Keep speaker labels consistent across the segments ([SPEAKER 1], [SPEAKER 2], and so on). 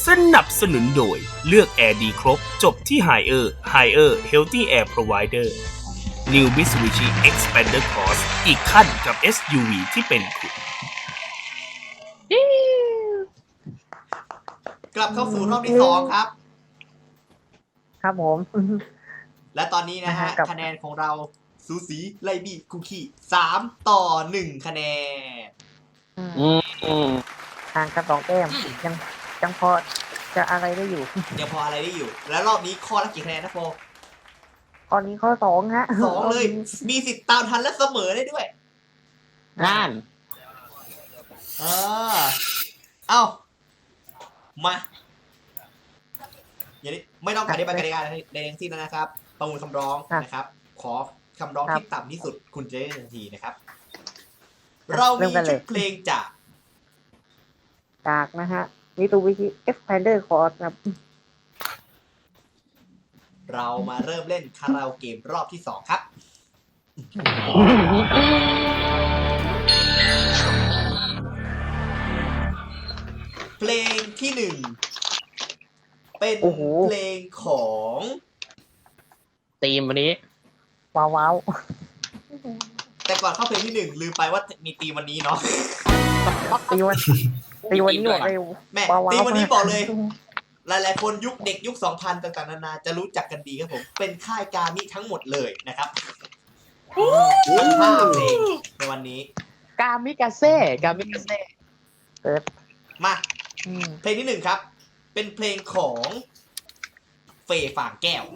[SPEAKER 1] สนับสนุนโดยเลือกแอร์ดีครบจบที่ Higher Healthy Air Provider New Mitsubishi Xpander Cross อีกขั้นกับ SUV ที่เป็นคุณ
[SPEAKER 2] กลับเข้าสู่รอบที่2ครับ
[SPEAKER 3] ครับผม
[SPEAKER 2] และตอนนี้นะฮะคะแนนของเราสูสีไลบี้คุกกี้3-1 คะแนน
[SPEAKER 3] ห่างกัน2 แต้มยังพอจะอะไรได้อยู่
[SPEAKER 2] ยังพออะไรได้อยู่แล้วรอบนี้ข้อละกี่คะแนนนะโฟ
[SPEAKER 3] ตอนนี้ข้อ2ฮะ
[SPEAKER 2] 2เลยมีสิทธิ์ตามทันและเสมอได้ด้วย
[SPEAKER 4] นั่น
[SPEAKER 2] เอ้ามาอย่างนี้ไม่ต้องการที่ไปกติกาใดทั้งสิ้นนะครับประมูลคำร้องนะครับขอคำร้องที่ต่ำที่สุดคุณจะได้ทันทีนะครับเรามีชุดเพลง
[SPEAKER 3] จากนะฮะMitsubishi Xpander Cross ครับ
[SPEAKER 2] เรามาเริ่มเล่นคาราโอเกะรอบที่2ครับเพลงที่1เป็นเพลงของ
[SPEAKER 4] ธีมวันนี้
[SPEAKER 3] ว้าว
[SPEAKER 2] แต่ก่อนเข้าเพลงที่1ลืมไปว่ามีธีมวันนี้เนาะ
[SPEAKER 3] ตีวันนี้บอกเลย
[SPEAKER 2] แม่ธีมวันนี้บอกเลยหลายๆคนยุคเด็กยุค 2000 ต่างๆนานาจะรู้จักกันดีครับผมเป็นค่ายการมิทั้งหมดเลยนะครับทั้ง5เพลงในวันนี้
[SPEAKER 4] กามิกาเซ่
[SPEAKER 3] เปิด
[SPEAKER 2] มาเพลงที่1ครับเป็นเพลงของเฟย์ฝางแก้ว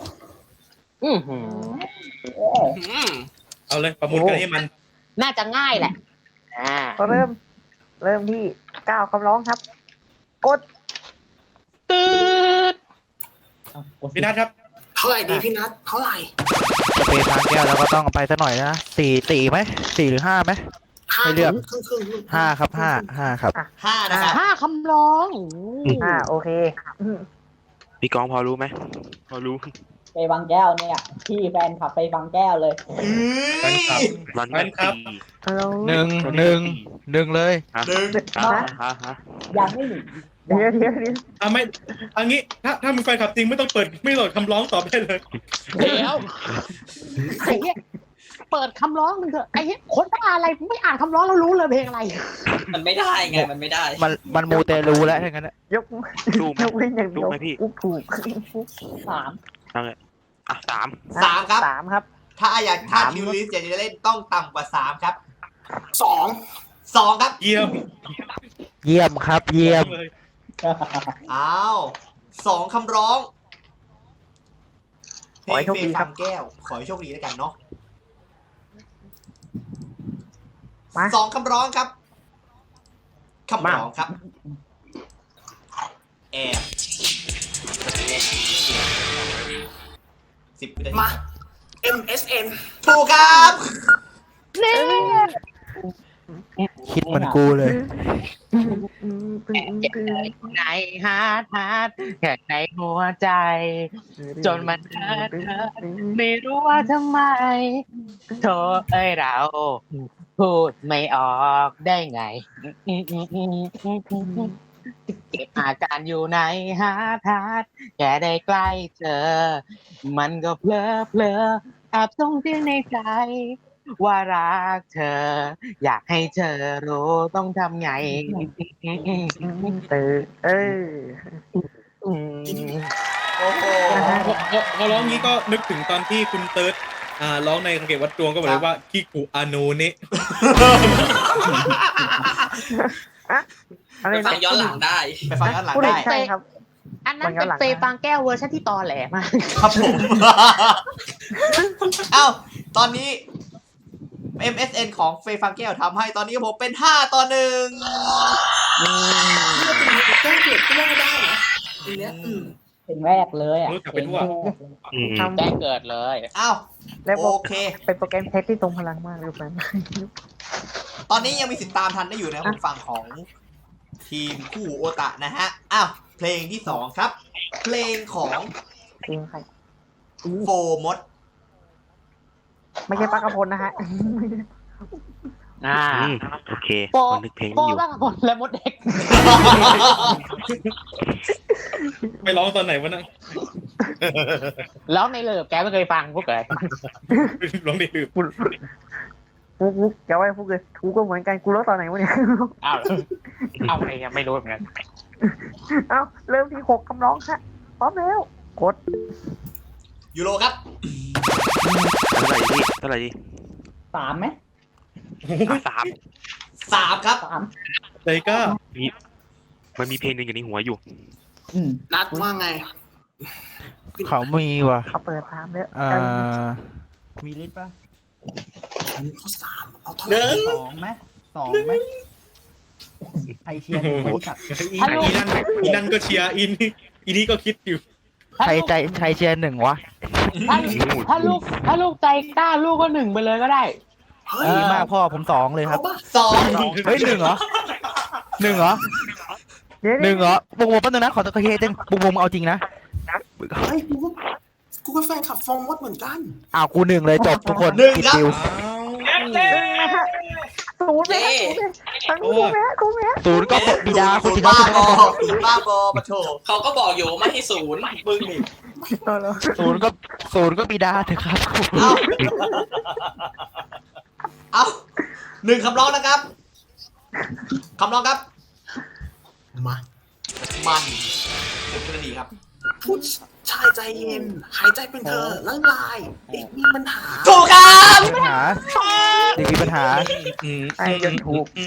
[SPEAKER 1] เอาเลยประมูลกันให้มัน
[SPEAKER 4] น่าจะง่ายแหละ
[SPEAKER 3] ก็เริ่มที่9คำร้องครับกด
[SPEAKER 4] ตืด
[SPEAKER 1] พี่นัทครับ
[SPEAKER 2] เท่าไหร่ดีพี่นัทเท่าไหร่
[SPEAKER 5] จะเป็นทางแก้วแล้วก็ต้องไปซะหน่อยนะ4ไหม4หรือ5ไหมให้เลือก5ครับ5ครับ
[SPEAKER 2] 5นะครับ
[SPEAKER 4] 5คำร้อง
[SPEAKER 3] โอเค
[SPEAKER 5] พี่กองพอรู้ไหมพอรู้
[SPEAKER 6] ไปบางแก้วเนี่ยพี่แฟนขับไปบางแก้วเลย
[SPEAKER 1] แฟนคลับ
[SPEAKER 5] หนึ่งเลย
[SPEAKER 6] ยังไม่หนึ่ง
[SPEAKER 3] เดี๋ยว
[SPEAKER 1] ไม่อันนี้ถ้ามีแฟนคลับจริงไม่ต้องเปิดไม่โหลดคำร้องต่อไปเลย
[SPEAKER 4] เดี๋ยวไอ้เหี้ยเปิดคำร้องมึงเถอะไอ้เหี้ยคนบ้าอะไรไม่อ่านคำร้องแล้วรู้เลยเพลงอะไร
[SPEAKER 2] มันไม่ได้ไงมันไม่ได้
[SPEAKER 5] มันมูเตลูแล้วทั้งนั้น
[SPEAKER 3] ยกเว้นอย่างเดียวถูก
[SPEAKER 6] 3
[SPEAKER 5] นั่นแหละ
[SPEAKER 2] 3ครับ
[SPEAKER 3] 3ครับ
[SPEAKER 2] ถ้าทิวลิสจะเล่นต้องต่ำกว่า3ครับ2ครับ
[SPEAKER 5] เยี่ยมครับ
[SPEAKER 2] อ้าว2คำร้อง
[SPEAKER 3] ขอให้โชคดีครับ
[SPEAKER 2] แก้วขอให้โชคดีแล้วกันเนาะ2คำร้องครับคำร้องครับแอบ10 วินาทีมา MSN ถูกครับ
[SPEAKER 5] คิดเหมือนกูเลย
[SPEAKER 4] ในฮาร์ดแค่ในหัวใจจนมันเธอไม่รู้ว่าทำไมโธ่เราพูดไม่ออกได้ไงเก็บอาการอยู่ในฮาร์ดแค่ได้ใกล้เธอมันก็เพลอแอบส่งเสียงในใจว่ารักเธออยากให้เธอรู้ต้องทำไง
[SPEAKER 2] โอ้โห
[SPEAKER 1] พอร้องนี้ก็นึกถึงตอนที่คุณเติร์ดร้องในคาราโอเกะวัดดวงก็บอกเลยว่าคิกุอาโนเนะ
[SPEAKER 2] ไปฟังย้อนหลังได้
[SPEAKER 3] ใช่ครับ
[SPEAKER 4] อันนั้นเป็นเฟย์ฟางแก้วเวอร์ชันที่ตอแหลมาก
[SPEAKER 2] ครับผมเอ้าตอนนี้ MSN ของเฟย์ฟางแก้วทำให้ตอนนี้ผมเป็น5-1
[SPEAKER 6] แก้เกิดก็ไม่ได้นะเพลงแรกเลยอ่ะ
[SPEAKER 1] เพลง
[SPEAKER 4] แจ้งเกิดเลย
[SPEAKER 2] อ้าวโอเค
[SPEAKER 3] เป็นโปรแกรมเทสที่ตรงพลังมากเลยครับ
[SPEAKER 2] ตอนนี้ยังมีสิทธิ์ตามทันได้อยู่นะผมฟังของทีมคู่โอตะนะฮะอ้าวเพลงที่2ครับเพลงของโฟมด
[SPEAKER 3] ไม่ใช่ปลากระพงนะฮะ
[SPEAKER 4] โอเคโปนึกเพลงอยู่บ้างคนและมดเด็ก
[SPEAKER 7] ไปร้องตอนไหนวะนะ
[SPEAKER 4] แล้วในเลิฟแกไม่เคยฟังพวกเลย
[SPEAKER 7] ร้องได้ลืม
[SPEAKER 3] ฟุกจะไว้ฟุกเลยกูก็เหมือนกันกูรู้ตอนไหนวะเนี่ย
[SPEAKER 4] เอาไงยังไม่รู้เหมือนกัน
[SPEAKER 3] เอาเริ่มที่6คำร้องฮะพร้อมแล้วกด
[SPEAKER 2] ยูโรครับ
[SPEAKER 5] เท่าไหร่ดี
[SPEAKER 6] 3ไหม
[SPEAKER 2] 3 ครับ
[SPEAKER 7] แต่ก็
[SPEAKER 5] มันมีเพลงหนึ่งอยู่ในหัวอยู่
[SPEAKER 6] นัดว่าไง
[SPEAKER 5] เขามีว่ะ
[SPEAKER 3] เขาเปิดตามแล้ว
[SPEAKER 5] มีลิสป่ะ
[SPEAKER 6] เขา3เอาเท่าไหร่
[SPEAKER 5] 2ไหมไอเชียร์บริษัท
[SPEAKER 7] อีนั่นก็เชียร์อีนี่ก็คิดอยู่
[SPEAKER 5] ใครเชียร์1วะ
[SPEAKER 4] ถ้าลูกใจกล้าลูกก็1ไปเลยก็ได้
[SPEAKER 5] ดีมากพ่อผม2เลยครับ
[SPEAKER 2] 2
[SPEAKER 5] เฮ้ย1เหรอ1เหรอ
[SPEAKER 3] เดี๋ยว
[SPEAKER 5] 1เหรอบุ้งแป๊บนึงนะขอตะเคียนจังบุ้งเอาจริงนะ
[SPEAKER 6] เฮ้ยกูก็แฟนขับฟองมดเหมือนกัน
[SPEAKER 5] อ้าวกู1เลยจบทุกคน
[SPEAKER 2] 1
[SPEAKER 5] ปิด
[SPEAKER 2] ครับ
[SPEAKER 5] ดิว
[SPEAKER 3] นะฮะ0เลยทั้งคู่แม่คู่แม่
[SPEAKER 5] 0ก็บิดาคุณจิ
[SPEAKER 2] บ้า
[SPEAKER 5] นา
[SPEAKER 2] บอบ้าบอมาโถ
[SPEAKER 8] เขาก็บอกอยู่ไม่ให้ศูนย์มึงนี่
[SPEAKER 5] 0ก็บิดาเถอะครับ
[SPEAKER 2] เอา1คำร้องนะครับคำร้องครับ
[SPEAKER 6] มา
[SPEAKER 2] มัน10 นาทีครับ
[SPEAKER 6] ผู้ชายใจเย็น หายใจเป็นเธอละลายเด็กมีปัญหา
[SPEAKER 2] ถูกครับ
[SPEAKER 5] มีปัญหาเด็กมีปัญหา
[SPEAKER 3] ไอ้จนถูก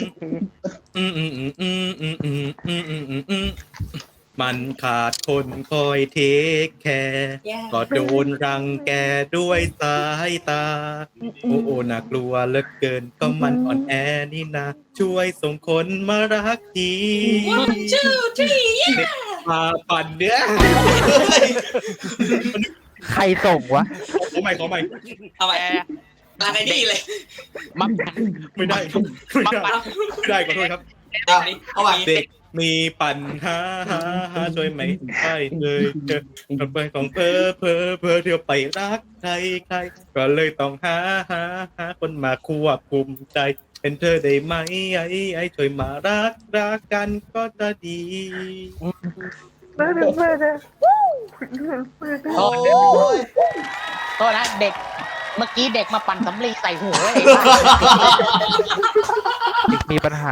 [SPEAKER 7] มันขาดคนคอยเทคแคร์ก็โดนรังแกด้วยสายตา โอ้น่ากลัวเหลือเกินก็มันอ่อนแอนี่นะช่วยส่งคนมารักทีมาปั่นเนี้ย
[SPEAKER 5] ใครส่งวะ
[SPEAKER 7] ขอใหม่
[SPEAKER 8] เอาไปลาไอ้นี่เลย
[SPEAKER 7] ไม่ได้ขอโทษครับ
[SPEAKER 2] เอาไป
[SPEAKER 7] เด็กมีปัญหาช่วยไม่ได้เลยทำไปของเพอเที่ยวไปรักใครก็เลยต้องหาคนมาควบคุมใจ เป็นเธอได้ไหมไอ้ช่วยมารักกันก็จะดี
[SPEAKER 3] เมื่อ
[SPEAKER 2] โอ้ย
[SPEAKER 4] โทษนะเด็กเมื่อกี้เด็กมาปั่นสำลีใส่หัวเลย
[SPEAKER 5] เด็กมีปัญหา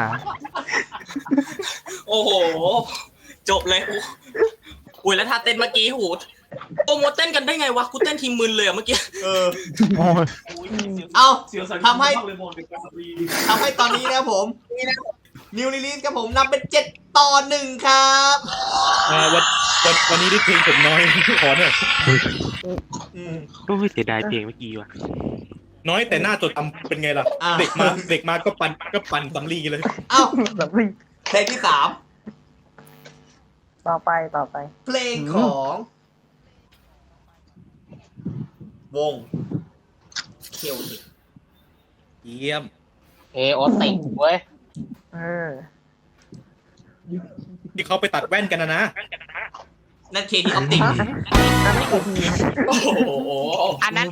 [SPEAKER 8] โอ้โห จบเลยอุ้ยแล้วท่าเต้นเมื่อกี้หูโปรโมทเต้นกันได้ไงวะกูเต้นทีมมึนเลยอะเมื่อกี้
[SPEAKER 5] โอ้ย
[SPEAKER 2] เอาทำให้ตอนนี้นะผมนิวรีลีสครับผมนำเป็น7-1ครับ
[SPEAKER 7] วันนี้ได้เพลงผมน้อยขอหน่อย
[SPEAKER 5] โอ้ยเสียดายเพลงเมื่อกี้ว่ะ
[SPEAKER 7] น้อยแต่หน้าจดจำเป็นไงล่ะ เด็กมาก็ปั่นสำลีเลย
[SPEAKER 2] เอ้า
[SPEAKER 3] แบบนี้
[SPEAKER 2] เพลงที่
[SPEAKER 3] ต่อไป
[SPEAKER 2] 3เพลงของวงเคลติก
[SPEAKER 7] เยี่ยม
[SPEAKER 4] โอติเว้ย
[SPEAKER 7] ที่เขาไปตัดแว่นกันนะ
[SPEAKER 2] นั่นเคทีออปติก
[SPEAKER 8] โอ้โห
[SPEAKER 4] อันนั้น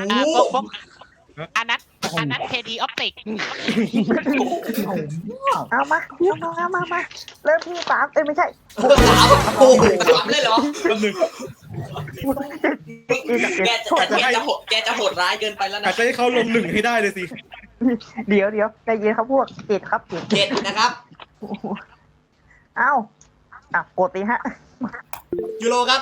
[SPEAKER 4] เคดีออปติก
[SPEAKER 3] เอามาเริ่มที่3ไม่ใช่
[SPEAKER 2] โอ้โห
[SPEAKER 8] ทำเลยเหรอ
[SPEAKER 7] แป๊บนึง
[SPEAKER 8] แกจะโหดร้ายเกินไปแล้ว
[SPEAKER 7] อา
[SPEAKER 8] นะ
[SPEAKER 7] จจะให้เขาลง1ให้ได้เลยสิ
[SPEAKER 3] เดี๋ยวใจเย็นครับพวก7ครับ
[SPEAKER 2] 7นะครับ
[SPEAKER 3] เอ้ากดดิฮะ
[SPEAKER 2] ยูโรครับ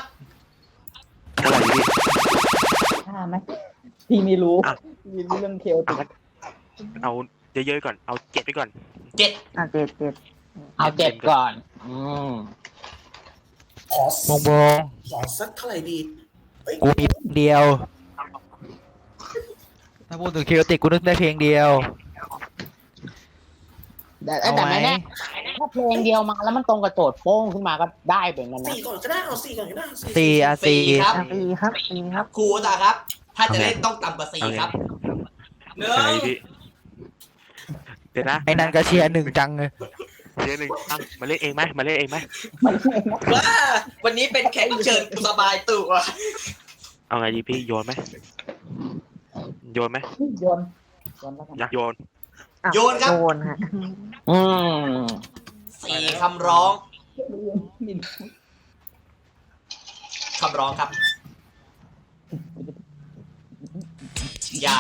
[SPEAKER 6] 5ไหมพี่ไม่รู้พี่เรื่องเคลติก
[SPEAKER 5] เอาเยอะๆก่อนเอา7ไปก่อน
[SPEAKER 2] 7
[SPEAKER 3] 7
[SPEAKER 4] เอา7ก่อน
[SPEAKER 6] ขอ
[SPEAKER 5] บง
[SPEAKER 6] สักเท่าไหร่ดี
[SPEAKER 5] กูมีเพลงเดียว ถ้าพูดถึงเคโอติกกูนึกได้เพลงเดียว
[SPEAKER 4] แต่ไม่แน่ถ้าเพลงเดียวมาแล้วมันตรงกับโจทย์โป้งขึ้นมาก็ได้เหมือนกันนะ
[SPEAKER 6] 4ก่อนก็ได้เอา4ก่อนก็ได้
[SPEAKER 5] 4
[SPEAKER 2] ครับ
[SPEAKER 3] ครับ
[SPEAKER 2] ครูตาครับ ถ้าจะเล่นต้องต่ำกว่า4ครับ
[SPEAKER 8] เนื้อ
[SPEAKER 5] เดี๋ยวนะไอ้นันก็เชียร์1จังเลยเชียร์1มาเล่นเองไหม
[SPEAKER 8] ว่าวันนี้เป็นแขกรับเชิญสบายตัว
[SPEAKER 5] เอาไงดีพี่โยนไหม
[SPEAKER 6] โยนแล้วกัน
[SPEAKER 5] อยากโยน
[SPEAKER 3] อ่ะ
[SPEAKER 2] โยนครับ
[SPEAKER 3] โยนฮะ
[SPEAKER 4] อืม
[SPEAKER 2] 4 คำร้อง คำร้องครับ อย่า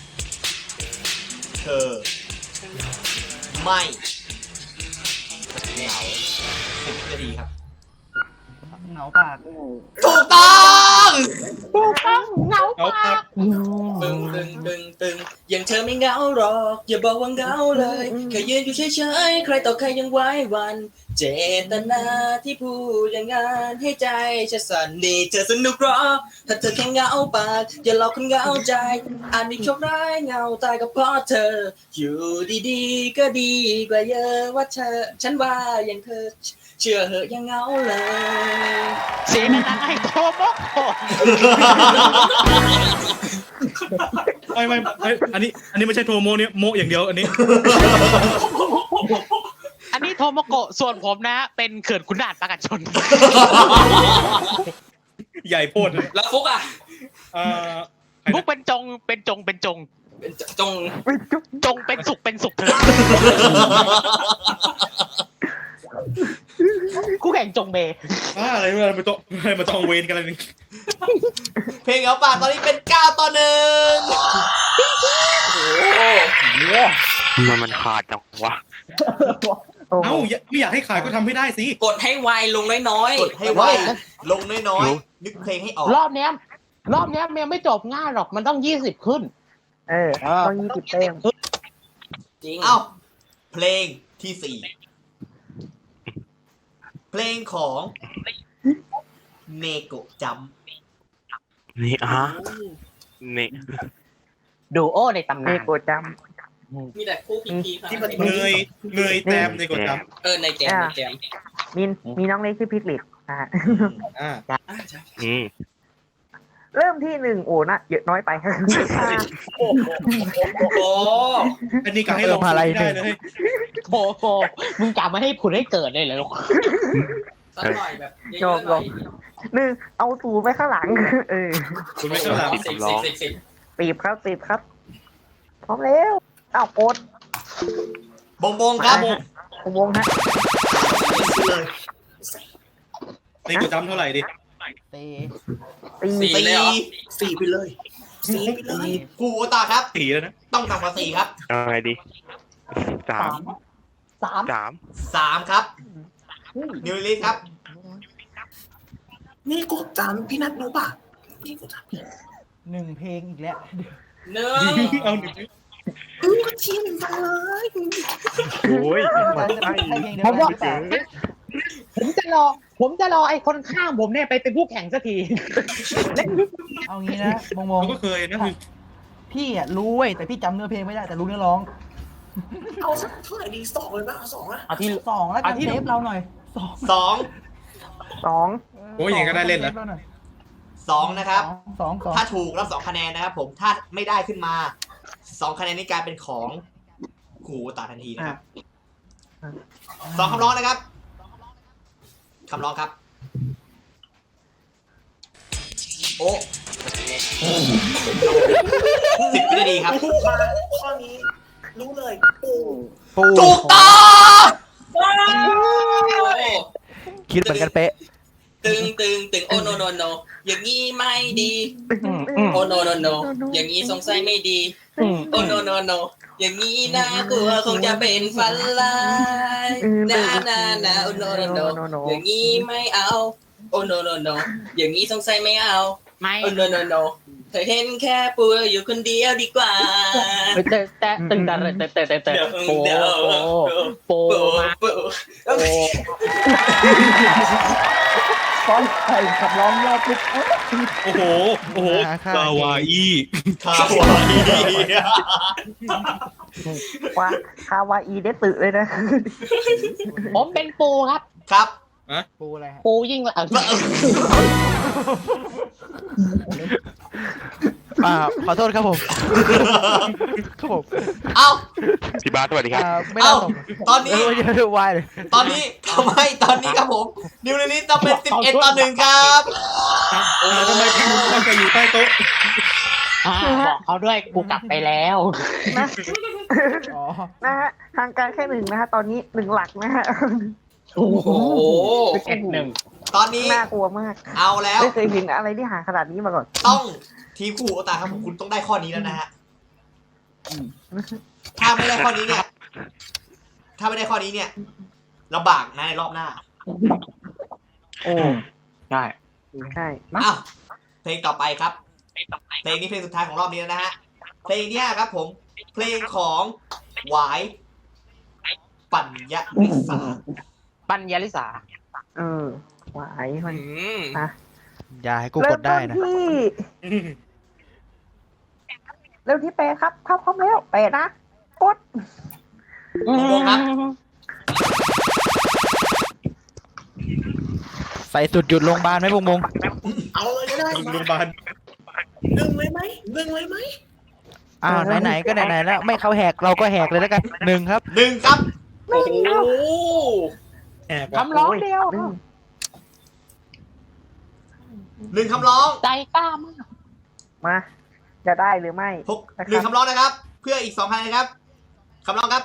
[SPEAKER 2] เธอ ไม่เหงา10 นาทีครับ
[SPEAKER 3] เหงาปาก
[SPEAKER 2] ถูกต้อง
[SPEAKER 7] เอาครับ
[SPEAKER 8] ตึงอย่างเธอไม่เหงาหรอก อย่าบอกว่าเหงาเลยแค่ยืนอยู่เฉยๆใครต่อใครยังไว้วัน เจตนาที่พูดอย่างงานให้ใจฉันสั่นนี่เธอสนุกหรอถ้าเธอแค่เหงาปากอย่าหลอกคนเหงาใจอาจมีโชคร้ายเหงาตายก็เพราะเธอ อยู่ดีๆก็ดีกว่าเยอะว่าเธอ ฉันว่าอย่างเธอ เชื่อเหอะยังเหงาเลย
[SPEAKER 4] สีนั้นไอ้โทโมโกะ
[SPEAKER 7] ไม่อันนี้ไม่ใช่โทโมเนี่ยโมอย่างเดียวอันนี้
[SPEAKER 4] อันนี้โทโมโกะส่วนผมนะ เป็นเขื่อนขุนด่านปราการชน
[SPEAKER 7] ใหญ่โพดเลย
[SPEAKER 8] แล้วฟุกอ่ะ
[SPEAKER 7] เอ่อ
[SPEAKER 4] พวกเป็นจง
[SPEAKER 8] เป็นจง
[SPEAKER 4] จงเป็นสุขเถอะคู่แข่งจงเบ
[SPEAKER 7] อะไรมาต้องเวรกันอะไรนี่
[SPEAKER 2] เพลงเหงาปากตอนนี้เป็น 9-1
[SPEAKER 5] มันขาดจังวะ
[SPEAKER 3] โอ้โห
[SPEAKER 7] เอ้าไม่อยากให้ขายก็ทำให้ได้สิ
[SPEAKER 8] กดให้ไวลงน้อย
[SPEAKER 2] กดให้ไวลงน้อยๆ นึกเพลงให้ออก
[SPEAKER 4] รอบเนี้ยมันไม่จบง่ายหรอกมันต้อง20ขึ้น
[SPEAKER 3] ต้อง20 เต็ม
[SPEAKER 8] จริง
[SPEAKER 2] เอ้า เพลงที่ 4 เพลงของเนโกะจัม
[SPEAKER 5] นี่นี่
[SPEAKER 4] ดูโอในตำ
[SPEAKER 3] เน
[SPEAKER 4] นาน
[SPEAKER 3] โกะจัม
[SPEAKER 8] มีแต่คู่พีค่ะ
[SPEAKER 7] ที่มันเงยแต้มในกดจ
[SPEAKER 8] ในแจม
[SPEAKER 3] มีน้องเล็กชื่อพิกลิตนะฮะ
[SPEAKER 7] ำอ่า
[SPEAKER 3] เริ่มที่ 1 โอ้นะเยอะน้อยไป
[SPEAKER 8] โอ้
[SPEAKER 7] อันนี้ก็ให้เราพูดไม่ได้เลย
[SPEAKER 4] โอ้โหมึงกลับมาให้ผุดให้เกิดเลยเหรอลูก
[SPEAKER 8] สักหน่อยแบบเยอะๆหน่อย
[SPEAKER 3] 1 เอาตูไปข้างหลัง
[SPEAKER 7] คุณไม่ต้องหลัง
[SPEAKER 8] 10
[SPEAKER 3] ตีบครับ พร้อมแล้วอ้าวโอ๊ต
[SPEAKER 2] บงครับ
[SPEAKER 3] วงฮะ
[SPEAKER 7] ในกดจำเท่าไหร่ดิ
[SPEAKER 3] ตี
[SPEAKER 8] 4เลยเหรอ
[SPEAKER 6] 4 ไปเลย 4 ไปเลย
[SPEAKER 2] กูโอตาครับ
[SPEAKER 7] 4แล้วนะ
[SPEAKER 2] ต้องต่ำกว่า 4 ครับ
[SPEAKER 5] เอาไงดี3
[SPEAKER 2] 3 ครับ นิวลิสครับ
[SPEAKER 6] นี่กดจำพี่นัทรู้ป่ะนี่กดจำ
[SPEAKER 3] 1 เพลงอีกแล้ว
[SPEAKER 8] หนึ่ง
[SPEAKER 7] เอาหนึ่ง
[SPEAKER 6] ก็ชี้หนึ่งไปเลย
[SPEAKER 5] โอ้ย
[SPEAKER 4] ผมจะรอไอ้คนข้างผมเนี่ยไปเป็นผู้แข่งสักที
[SPEAKER 3] เอางี้นะมอง
[SPEAKER 7] เราก็เคยนะคือ
[SPEAKER 3] พี่อ่ะรู้เว้ยแต่พี่จำเนื้อเพลงไม่ได้แต่รู้เนื้อร้อง
[SPEAKER 6] เอาสักเท่าไหร่ดี2เลยป่ะเอา2นะ
[SPEAKER 4] เอาที่
[SPEAKER 3] 2แล้วกันเทปเราหน่อย
[SPEAKER 2] 2
[SPEAKER 7] โอ้ยอย่างก็ได้เล่นแล้ว
[SPEAKER 2] 2 นะครับ
[SPEAKER 3] 2
[SPEAKER 2] ถ้าถูกรับ2 คะแนนนะครับผม ถ้าไม่ได้ขึ้นมา 2 คะแนนนี้กลายเป็นของกูโอตาทันทีนะครับ 2 คำร้องนะครับ คำร้องครับ โอ้10 วินาทีครับ
[SPEAKER 6] มาข้อนี้รู้เลยปู
[SPEAKER 2] ถูกต้อง
[SPEAKER 5] คิดเหมือนกันเป๊ะ
[SPEAKER 8] ตึงโอ้โนอย่างนี้ไม่ดี โอ้โนอย่างนี้สงสัยไม่ดี โอ้โนอย่างนี้น่ากลัวคงจะเป็นฟันลายนาโอ้โนอย่างนี้ไม่เอา โอ้โนอย่างนี้สงสัยไม่เอา
[SPEAKER 4] ไม่
[SPEAKER 8] โอ้โนเธอเห็นแค่ปูอยู่คนเดียวดีกว่า
[SPEAKER 4] แต่ตึงแต่โปมา
[SPEAKER 3] ตอนใส่ขับร้องรอบปุ๊บ
[SPEAKER 7] โอ้โหคาวาอี้
[SPEAKER 2] คาวาอี
[SPEAKER 3] ว่าคาวาอีเดตึเลยนะ
[SPEAKER 4] ผมเป็นปูครับ
[SPEAKER 2] ครับ
[SPEAKER 3] ปูอะไรฮะ
[SPEAKER 4] ปูยิ่งละ
[SPEAKER 5] ขอโทษครับผมครับผม
[SPEAKER 2] เอ้า
[SPEAKER 5] พี่บาสสวัสดีครับ
[SPEAKER 3] ไม่น่าส่ง
[SPEAKER 2] ตอนนี้
[SPEAKER 5] วายเลย
[SPEAKER 2] ตอนนี้ทำให้ตอนนี้ครับผม นิวลิสต้องเป็น11-1 ครับ
[SPEAKER 7] ทำไมพี่มุกต้องจะอยู่ใต้โต๊ะ
[SPEAKER 4] บอกเขาด้วยกูกลับไปแล้ว
[SPEAKER 3] นะ
[SPEAKER 5] อ๋อ
[SPEAKER 3] นะฮะทางการแค่หนึ่งนะฮะตอนนี้หนึ่งหลักนะฮะ
[SPEAKER 8] โอ้โห
[SPEAKER 2] ตอนนี้
[SPEAKER 3] น่ากลัวมาก
[SPEAKER 2] เอาแล้ว
[SPEAKER 3] ไม่เคยเห็นอะไรที่ห่างขนาดนี้มาก่อน
[SPEAKER 2] ต้องทีมคู่หูโอตาครับผมคุณต้องได้ข้อนี้แล้วนะฮะถ้าไม่ได้ข้อนี้เนี่ยลำบากนะในรอบหน้า
[SPEAKER 3] โอ้
[SPEAKER 4] ใช่
[SPEAKER 3] ใช่
[SPEAKER 2] อ้าวเพลงต่อไปครับ เพลงนี้เพลงสุดท้ายของรอบนี้แล้วนะฮะ เพลงเนี้ยครับผม เพลงของหวายปัญญาลิสา
[SPEAKER 4] ปัญญาลิสา
[SPEAKER 3] หวายมัน
[SPEAKER 5] อย่าให้กูกดได้นะ
[SPEAKER 3] เริ่มที่เปย์ครับเข้าพร้อมแล้วเปย์นะกด
[SPEAKER 2] วงครับ
[SPEAKER 5] ใส่สุดหยุดโรงพยาบาลไหมบุงบุง
[SPEAKER 6] เอาเลยก็ได้
[SPEAKER 7] โรงพยาบาล
[SPEAKER 6] ดึงเลยไหมดึงเลยไหม
[SPEAKER 5] ไหนๆก็ไหนๆแล้วไม่เขาแหกเราก็แหกเลยแล้วกันหนึ่งครับ
[SPEAKER 2] หนึ่งครับ
[SPEAKER 8] โอ้โห
[SPEAKER 7] แอบว่ะ
[SPEAKER 4] คำร้องเดียว
[SPEAKER 2] หนึ่งคำร้อง
[SPEAKER 4] ใจกล้ามาก
[SPEAKER 3] มาจะได้หรือไม่
[SPEAKER 2] หนึ่งคำร้องนะครับ เพื่ออีก2,000นะครับคำร้องครับ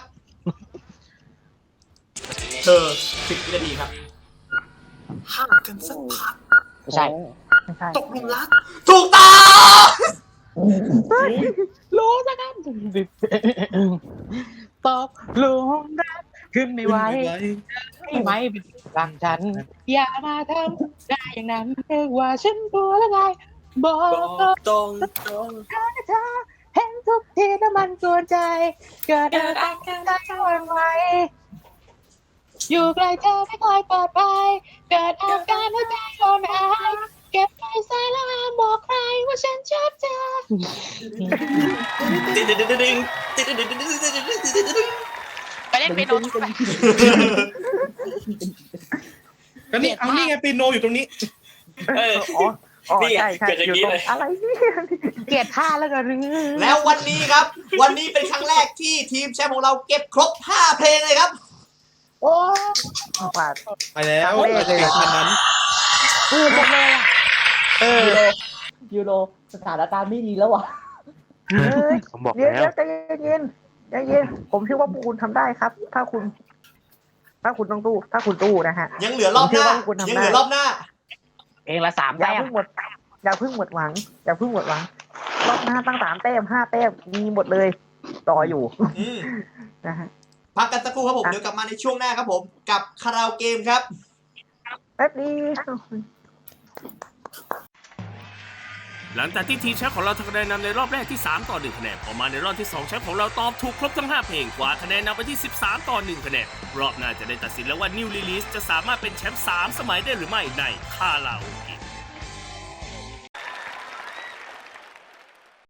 [SPEAKER 2] เธอ10 วินาทีครับ
[SPEAKER 6] ห่างกันสักพัก
[SPEAKER 4] ไม่ใช่
[SPEAKER 3] ไม่ใช่
[SPEAKER 6] ตกหลุมรัก
[SPEAKER 2] ถูกต้อง
[SPEAKER 4] รู้ซะกันตกหลุมรักขึ้นไม่ไหวไม่ไหมเป็นรักฉัน อย่ามาทำได้อย่างนั้นเรียกว่าฉันตัวละไงบอก
[SPEAKER 8] บอกตรง
[SPEAKER 4] เธอเห็นทุกทีน้ำมันกวนใจ เกิดอาการใจอ่อนไหวอยู่ไกลเธอไม่ค่อยปลอดภัยเกิดอาการหัวใจอ่อนแอเก็บไปใส่แล้วห้ามบอกใครว่าฉันชอบเธอ
[SPEAKER 8] ตึ๊ดตึ๊ดตึ๊ดตึ๊ดตึ๊ดตึ๊ดตึ๊ดตึ๊ด
[SPEAKER 4] ไปเล่นเปียโนทุกคน
[SPEAKER 7] ก็นี่เอานี่ไงปีโนอยู่ตรงนี้
[SPEAKER 8] เออ
[SPEAKER 3] อ๋อ
[SPEAKER 8] นี่ไง
[SPEAKER 3] ใช่
[SPEAKER 8] เกิดอย่างนี้เลย
[SPEAKER 3] อะไรนี่
[SPEAKER 4] เกลียดท่าแล้วกัน
[SPEAKER 2] แล้ววันนี้ครับ วันนี้เป็นครั้งแรกที่ทีมแชมป์ของเราเก็บครบ5 เพลงเลยครับ
[SPEAKER 4] โอ้
[SPEAKER 3] กว่า
[SPEAKER 7] ไปแล้ว
[SPEAKER 3] เอาเลขเลย
[SPEAKER 7] ขนาดนั้น
[SPEAKER 4] ปืนหมดเลยอะ
[SPEAKER 9] ยูโรสถานการณ์ไม่ดีแล้ววะ
[SPEAKER 3] เฮ้ย
[SPEAKER 5] ผมบอก
[SPEAKER 3] เดี๋ยว
[SPEAKER 5] แล้ว
[SPEAKER 3] ใจเย็นใจเย็นผมเชื่อว่าพวกคุณทำได้ครับ ถ้าคุณต้องตู้ถ้าคุณตู้นะฮะ
[SPEAKER 2] ยังเหลือรอบหน้า
[SPEAKER 3] ผมเชื่อว่าคุณทำได้
[SPEAKER 2] ยังเหลือรอบหน้า
[SPEAKER 4] เองละ3
[SPEAKER 3] อย่า
[SPEAKER 4] แต้ม
[SPEAKER 3] เพิ่งหมดหวังรอบหน้าตั้ง3 แต้ม 5 แต้มมีหมดเลยรออยู่
[SPEAKER 2] อืม
[SPEAKER 3] นะฮะ
[SPEAKER 2] พักกันสักครู่ครับผม เดี๋ยวกลับมาในช่วงหน้าครับผม กับคาราโอเกมครับ
[SPEAKER 3] แป๊บนี้
[SPEAKER 1] หลังจากที่ทีมแชมป์ของเราทำคะแนนนำในรอบแรกที่3 ต่อ 1 คะแนนพอมาในรอบที่2แชมป์ของเราตอบถูกครบทั้ง5 เพลงกว่าคะแนนนำไปที่13 ต่อ 1 คะแนนรอบหน้าจะได้ตัดสินแล้วว่า New Release จะสามารถเป็นแชมป์3 สมัยได้หรือไม่ในคาราโอเกะ